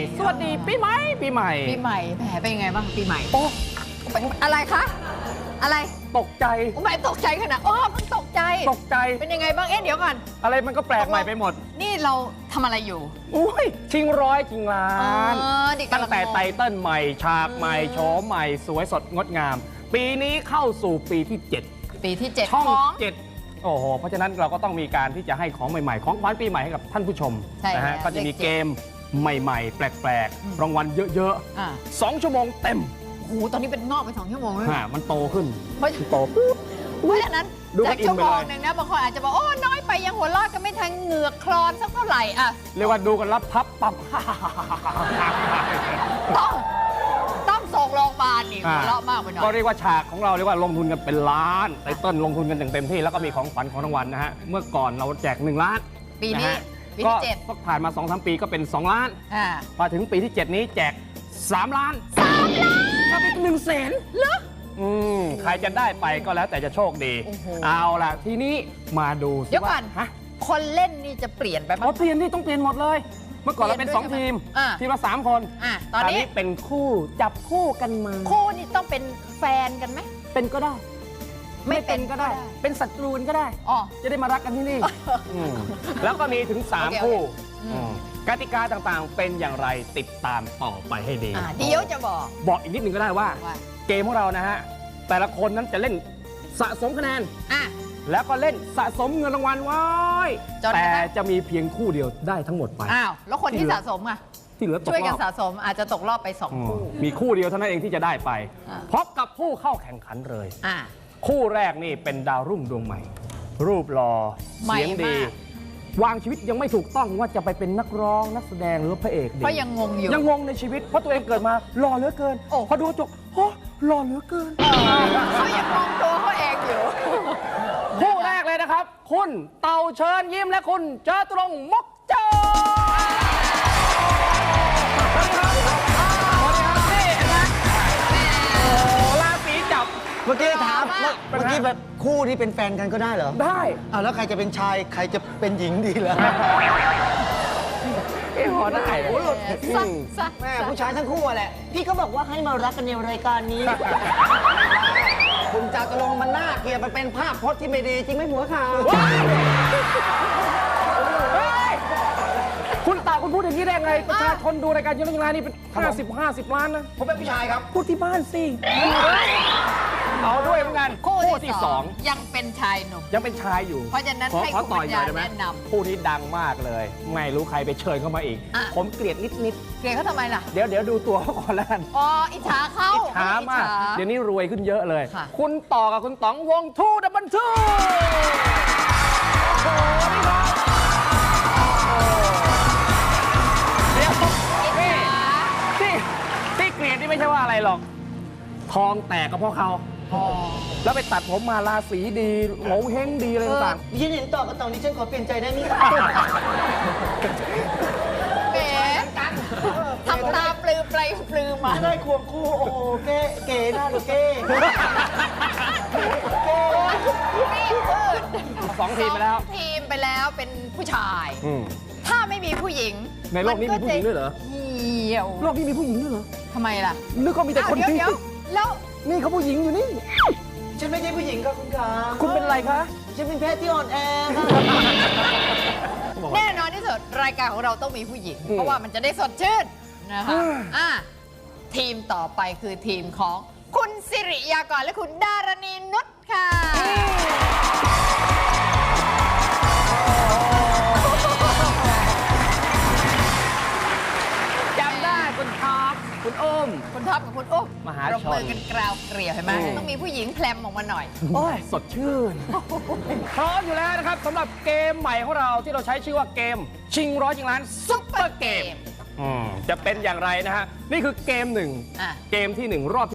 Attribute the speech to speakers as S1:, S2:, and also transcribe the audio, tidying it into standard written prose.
S1: สวัสดีปีใหม่ปีใหม่
S2: ปีใหม่แหมเป็นยังไงบ้างปีใหม่
S1: โอ้
S2: อะไรคะอะไร
S1: ตกใจ
S2: ไม่ตกใจขนาดเพิ่งตกใจ
S1: ตกใจ
S2: เป็นยังไงบ้างเดี๋ยวก่อน
S1: อะไรมันก็แปลกใหม่ไปหมด
S2: นี่เราทำอะไรอยู่
S1: อุ้ยชิงร้อยชิงล้าน
S2: ดิ
S1: ตั้งแต่ไตเติ้ลใหม่ฉากใหม่โฉมใหม่สวยสดงดงาม ปีนี้เข้าสู่ปีที่ 7
S2: ปีที่ 7
S1: ช่อง
S2: ของ
S1: 7โอ้โหเพราะฉะนั้นเราก็ต้องมีการที่จะให้ของใหม่ๆของขวัญปีใหม่ให้กับท่านผู้ชม
S2: ใช่
S1: นะฮะ
S2: แล้ว
S1: ก็จะมี
S2: เลข
S1: เกมใหม่ๆ แปลกๆรางวัลเยอะๆ2 ชั่วโมงเต็ม
S2: โอ้โหตอนนี้เป็นงอกไป2 ชั่วโมงเลย
S1: มันโตขึ้น
S2: เพราะ
S1: โตปุ๊บ
S2: เพราะฉะนั้น
S1: ดูกั
S2: จาก
S1: นอิน
S2: ชั่ว
S1: ไป
S2: โม
S1: เลย
S2: งหนึ่งนะบางคนอาจจะบอกน้อยไปยังหัวเราะกันไม่ทันเหงือกคลอนสักเท่าไหร่อ่ะ
S1: เรียกว่าดูกันรับพับปับ
S2: ต้องส่งโรงพยาบาลนี่หัวเราะมากไปหน่อย
S1: ก็เรียกว่าฉากของเราเรียกว่าลงทุนกันเป็นล้านไตเติ้ลลงทุนกันอย่างเต็มที่แล้วก็มีของขวัญของรางวัลนะฮะเมื่อก่อนเราแจก1 ล้าน
S2: ปีนี้
S1: ะฮะ
S2: ปีที่
S1: ก็ผ่านมา 2-3 ปีก็เป็น2 ล้าน
S2: 7
S1: มาถึงปีที่ 7 นี้แจก3 ล้านถ้าเป็น100,000เหรอใครจะได้ไปก็แล้วแต่จะโชคดี
S2: โอ้โห
S1: เอาล่ะทีนี้มาดูสิ
S2: เดี๋ยวก่อน
S1: ฮะ
S2: คนเล่นนี่จะเปลี่ยนไปไหม
S1: เปลี่ยนที่ต้องเปลี่ยนหมดเลย เมื่อก่อนเราเป็น
S2: เปลี่ยนด้วย
S1: 2 ทีม
S2: ใช่ไหม
S1: ทีมละ3 คน
S2: ตอนนี้
S1: เป็นคู่จับคู่กันมา
S2: คู่นี่ต้องเป็นแฟนกันไหม
S1: เป็นก็ได้
S2: ไม่เป็นก็ได้
S1: เป็นศัตรูกันก็ได้
S2: อ๋อ
S1: จะได้มารักกันที่นี่แล้วก็มีถึง
S2: โอเค
S1: 3 คู่
S2: อืม
S1: กติกาต่างๆ เป็นอย่างไรติดตามต่อไปให้ดี
S2: เดี๋ยวจะบอก
S1: บอกอีกนิดนึงก็ได้ว่า
S2: ว่า
S1: เกมของเรานะฮะ แต่ละคนนั้นจะเล่นสะสมคะแนน
S2: อ่ะ
S1: แล้วก็เล่นสะสมเงินรางวัลไว้
S2: จนกระทั่
S1: แต่
S2: ง
S1: จะมีเพียงคู่เดียวได้ทั้งหมดไป
S2: อ้าวแล้วคนที่สะสมอ่ะ
S1: ที่เหลือตก
S2: ช่วย
S1: ร
S2: กัน
S1: อบ
S2: สะสมอาจจะตกรอบไป2 คู่
S1: มีคู่เดียวเท่านั้นเองที่จะได้ไป
S2: อ่า
S1: พบกับผู้เข้าแข่งขันเลย
S2: อ่ะ
S1: คู่แรกนี่เป็นดาวรุ่งดวงใหม่ รูปหล่อ
S2: ใหม่
S1: เสียงดี
S2: มาก
S1: วางชีวิตยังไม่ถูกต้องว่าจะไปเป็นนักร้องนักแสดงหรือว่าพระเอกดี
S2: เพราะยังงงอยู่
S1: ยังงงในชีวิตเพราะตัวเองเกิดมาหล่อเหลือเกิน
S2: โอ้
S1: พอดูกระจกโอ้หล่อเหลือเกิน
S2: เขายังงงตัวเขาเองอยู่
S1: คู่แรกเลยนะครับ คุณเต่าเชิญยิ้มและคุณเจอตรงมกเจอราศีจับ
S3: เมื่อกี้ถาม
S2: มาก
S3: เมื่อกี้แบบคู่ที่เป็นแฟนกันก็ได้เหรอ
S1: ได้
S3: แล้วใครจะเป็นชายใครจะเป็นหญิงดีล่ะ
S1: พอได้
S3: โอ้โห
S2: ซะ
S3: แม่ผู้ชายทั้งคู่อะแหละ พี่ก็บอกว่าให้มารักกันในรายการนี้ คุณจาตุรงค์มันน่าเกลียดมันเป็นภาพพจน์ที่ไม่ดีจริงไหมหัวขาว
S1: คุณตาคุณพูดอย่างนี้ได้ไง ประชาชนดูรายการเยอะแยะนี่เป็น50 ล้านนะ
S3: ผมเป็นผู้ชายครับ
S1: พูดที่บ้านสิเอาด้วยเหมือนกัน
S2: คู่
S1: ที่
S2: ที่
S1: สอง
S2: ยังเป็นชายหนุ่ม
S1: ยังเป็นชายอยู่
S2: เพราะฉะนั้น
S1: ขอ
S2: ให้
S1: ขอ
S2: คุณ
S1: ต่
S2: ปั
S1: อย
S2: ญ
S1: หน่
S2: ญา
S1: อยได้ไหม
S2: แนะนำ
S1: คู่นี้ดังมากเลย ไม่รู้ใครไปเชิญเข้ามาอีก
S2: อ่ะ
S1: ผมเกลียดนิด
S2: เกลียดเขาทำไมล่ะ
S1: ๆเดี๋ยวดูตัวเขาก่อนแล้วกัน
S2: อ๋ออิจฉาเขา
S1: ช้ามาก
S2: อิจฉ
S1: เดี๋ยวนี้รวยขึ้นเยอะเลย
S2: ค่ะ
S1: คุณต่อกับคุณต๋องวงทูดับเบิลทูโอ้โหนี่ครับเดี๋ยวนี่ที่เกลียดนี่ไม่ใช่ว่าอะไรหรอก ทองแตกก็เพราะเขา
S2: อ๋อ
S1: แล้วไปตัดผมมาราศีดีโง่เฮงดีอะไรต่าง
S3: ดิฉันเห็นต่อกับตองนี้ฉันขอเปลี่ยนใจได้ไหมครับ
S2: แหมทำตาปลือไปปลือมา
S3: ได้ควงคู่ โอ้โหเก๋เก๋น่าดูเก๋
S2: ไม่พูด
S1: สองทีมไปแล้ว
S2: สองทีมไปแล้วเป็นผู้ชาย
S1: อืม
S2: ถ้าไม่มีผู้หญิง
S1: ในโลกนี้มีผู้หญิงด้วยเหรอ
S2: เหี่ยว
S1: โลกนี้มีผู้หญิงด้วยเหรอ
S2: ทำไมล่ะ
S1: นึกว่ามีแต่คน
S2: อ้าว
S1: ที่
S2: เดี๋ยวแล้ว
S1: นี่เขาผู้หญิงอยู่นี่
S3: ฉันไม่ใช่ผู้หญิงครับคุณขา
S1: คุณเป็นอะไรคะ
S3: ฉันเป็นเพศที่อ่อนแอค่ะ
S2: แน่นอนที่สุดรายการของเราต้องมีผู้หญิง เพราะว่ามันจะได้สดชื่นนะคะทีมต่อไปคือทีมของคุณสิริยากรและคุณดารณีนุชค่ะ
S1: จำได้คุณท็อปคุณโอม
S2: คุณท็อปกับคุณอุ๊บ
S1: มหาชน
S2: ปรบมือกันกราวเกลียวเห็นไหมต้องมีผู้หญิงแพลมออกมาหน่อย
S1: โอ้ยสดชื่น พร้อมอยู่แล้วนะครับสำหรับเกมใหม่ของเราที่เราใช้ชื่อว่าเกม ชิงร้อยชิงล้านซุปเปอร์เกมจะเป็นอย่างไรนะฮะ นี่คือเกมหนึ่ง
S2: อ่ะ
S1: เกมที่ 1 รอบ